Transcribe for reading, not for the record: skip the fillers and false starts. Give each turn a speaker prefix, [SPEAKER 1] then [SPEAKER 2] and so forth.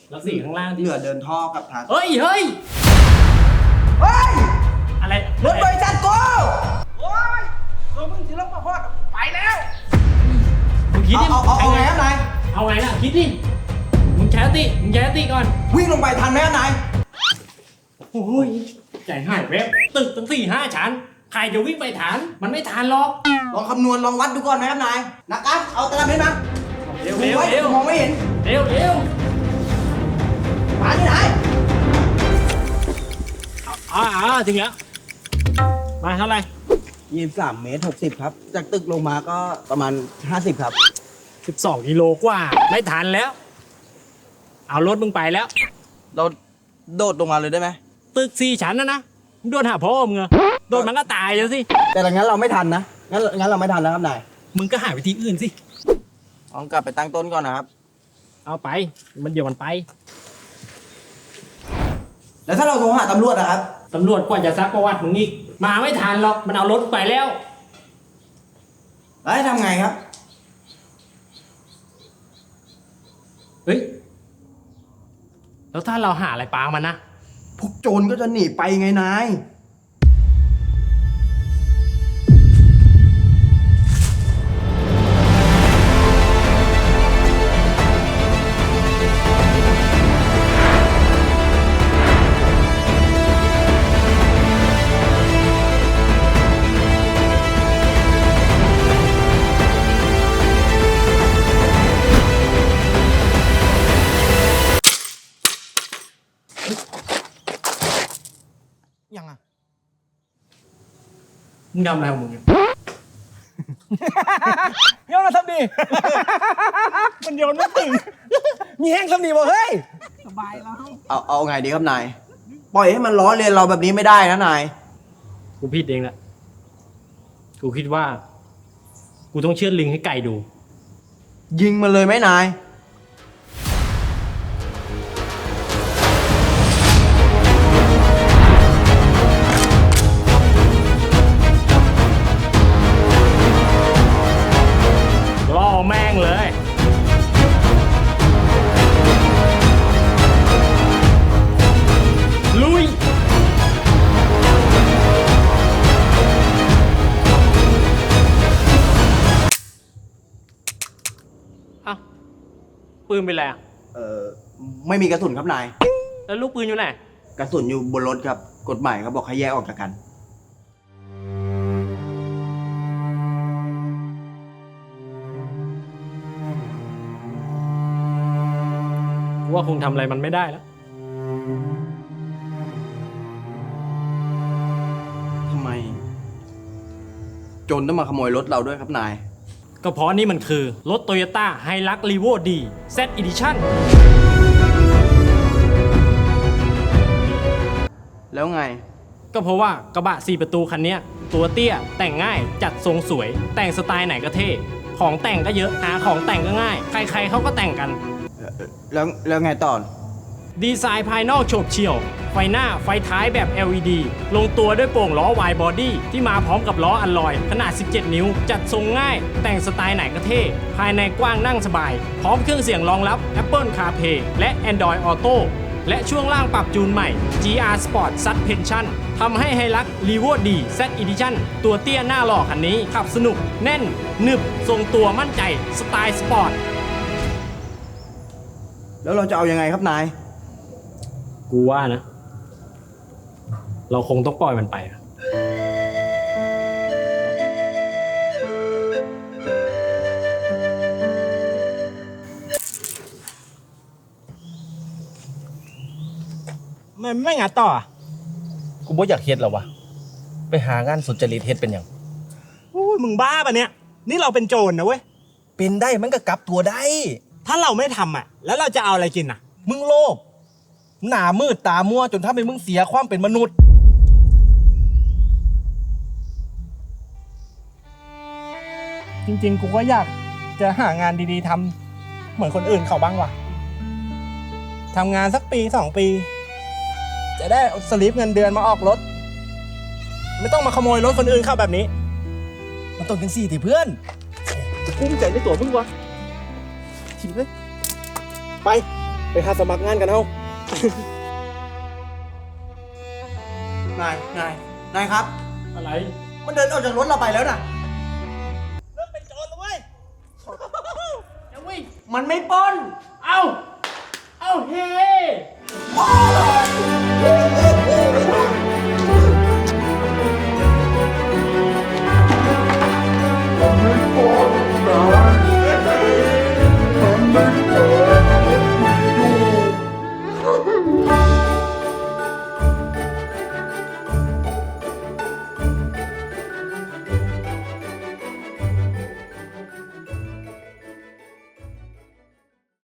[SPEAKER 1] แล้วสีข้างล่าง
[SPEAKER 2] เหลือเดินท่อกับทาง
[SPEAKER 1] เฮ้ยเฮ้ย
[SPEAKER 2] เฮ้ย
[SPEAKER 1] อะไร
[SPEAKER 2] รถบริษัทกูโอ้ยตัวมึงที่รถมาฮอดไปแล้ว
[SPEAKER 1] มึงคิดดิ
[SPEAKER 2] เอาไงครับนาย
[SPEAKER 1] เอาไงล่ะคิดดิมึงใช้สติก่อน
[SPEAKER 2] วิ่งลงไปทันไหมครับนาย
[SPEAKER 1] โอ้ยใจหายแวบตึกตั้ง4-5 ชั้นใครจะวิ่งไปทันมันไม่ทันหรอก
[SPEAKER 2] ลองคำนวณลองวัดดูก่อนไหมครับนายนักการเอาตารางเมตรมา
[SPEAKER 1] เร็ว
[SPEAKER 2] ดูไว้
[SPEAKER 1] เร็ว
[SPEAKER 2] มองไม่เห็น
[SPEAKER 1] เร็วเร็ว
[SPEAKER 2] มาที่ไหน
[SPEAKER 1] ถึงแล้วมาเท่าไหร่
[SPEAKER 2] 23 เมตร 60 ครับ จากตึกลงมาก็ประมาณ 50 ครับ
[SPEAKER 1] 12 กิโลกว่าไม่ทันแล้ว เอารถมึงไปแล้ว
[SPEAKER 2] เราโดดลงมาเลยได้ไหม
[SPEAKER 1] ตึก4 ชั้นนะมึงโดนหาพ่อมึงเหรอโดนมันก็ตายแล้วสิ
[SPEAKER 2] แต่งั้นเราไม่ทันนะงั้นเราไม่ทันนะครับนาย
[SPEAKER 1] มึงก็หาวิธีอื่นสิ
[SPEAKER 2] ลองกลับไปตั้งต้นก่อนนะครับ
[SPEAKER 1] เอาไปมันเดี๋ยวมันไป
[SPEAKER 2] แล้วถ้าเราโทรหาตำรวจนะครับ
[SPEAKER 1] ตำรวจกว่าจะซักประวัติมึงอีกมาไม่ทันหรอกมันเอารถไปแล้ว
[SPEAKER 2] แล้วให้ทำไงครับ
[SPEAKER 1] เฮ้ยแล้วถ้าเราหาอะไรปามันนะ
[SPEAKER 2] พวกโจรก็จะหนีไปไงนาย ยังอ่ะ
[SPEAKER 1] มึงทำอะไรของมึงเนี่ย
[SPEAKER 3] โยนมาทำดี มันโยนไม่ถึง มีแห้งทำดีบ่เฮ้ย
[SPEAKER 2] เอาไงดีครับนาย ปล่อยให้มันล้อเลียนเราแบบนี้ไม่ได้นะนาย
[SPEAKER 1] กูผิดเองแหละกูคิดว่า กูต้องเชือดลิงให้ไก่ดู
[SPEAKER 2] ยิงมันเลยไหมนาย
[SPEAKER 1] ล่อแม่งเลย ลุย เอ้าปืนเป็นไรอ่ะ
[SPEAKER 2] ไม่มีกระสุนครับนาย
[SPEAKER 1] แล้วลูกปืนอยู่ไหน
[SPEAKER 2] กระสุนอยู่บนรถครับ กฎหมายเขาบอกให้แยกออกจากกัน
[SPEAKER 1] กูว่าคงทำอะไรมันไม่ได้แล้ว
[SPEAKER 2] ทำไม โจรต้องมาขโมยรถเราด้วยครับนาย
[SPEAKER 1] ก็เพราะนี่มันคือรถ Toyota Hilux Revo D Z Edition
[SPEAKER 2] แล้วไง
[SPEAKER 1] ก็เพราะว่ากระบะ4 ประตูคันเนี้ยตัวเตี้ยแต่งง่ายจัดทรงสวย แต่งสไตล์ไหนก็เท่ของแต่งก็เยอะหาของแต่งก็ง่าย ใครๆเขาก็แต่งกัน
[SPEAKER 2] แล้วไงต่อ
[SPEAKER 1] ดีไซน์ภายนอกโฉบเฉี่ยว ไฟหน้าไฟท้ายแบบ LED ลงตัวด้วยโป่งล้อ Wide Body ที่มาพร้อมกับล้ออัลลอยขนาด 17 นิ้ว จัดทรงง่าย แต่งสไตล์ไหนก็เท่ ภายในกว้างนั่งสบาย พร้อมเครื่องเสียงรองรับ Apple CarPlay และ Android Auto และช่วงล่างปรับจูนใหม่ GR Sport Suspension ทำให้ไฮลัก Revo D Z Edition ตัวเตี้ยหน้าหล่อคันนี้ขับสนุกแน่นหนึบทรงตัวมั่นใจสไตล์สปอร์ต
[SPEAKER 2] แล้วเราจะเอายังไงครับนาย
[SPEAKER 1] กูว่านะ เราคงต้องปล่อยมันไปอะ
[SPEAKER 3] มันไม่งานต่ออะกูบ่อยากเฮ็ดแล้ววะไปหางานสุจริตเฮ็ดเป็นหยังโอ้ยมึงบ้าปะเนี่ย นี่เราเป็นโจรนะเว้ย เป็นได้มันก็กลับตัวได้ ถ้าเราไม่ทำอ่ะ แล้วเราจะเอาอะไรกินอ่ะ มึงโลภหน้ามืดตามัวจนทำให้มึงเสียความเป็นมนุษย์ จริงๆ กูก็อยากจะหางานดีๆทำเหมือนคนอื่นเขาบ้างว่ะทำงานสักปี2 ปี จะได้เอาสลิปเงินเดือนมาออกรถ ไม่ต้องมาขโมยรถคนอื่นเข้าแบบนี้ มันต้องเป็น4ที่เพื่อนจะกุ้มใจในตัวมึงวะทิ้งเลย ไปไปหาสมัครงานกันเอา
[SPEAKER 2] นายครับ
[SPEAKER 1] อะไร
[SPEAKER 2] มันเดินออกจากรถเราไปแล้วนะ
[SPEAKER 3] เริ่มเป็นโจรแล้วเว้ย
[SPEAKER 1] เอาเว้ย
[SPEAKER 2] มันไม่ปล้น
[SPEAKER 1] เอาเฮ้
[SPEAKER 2] โอ้ย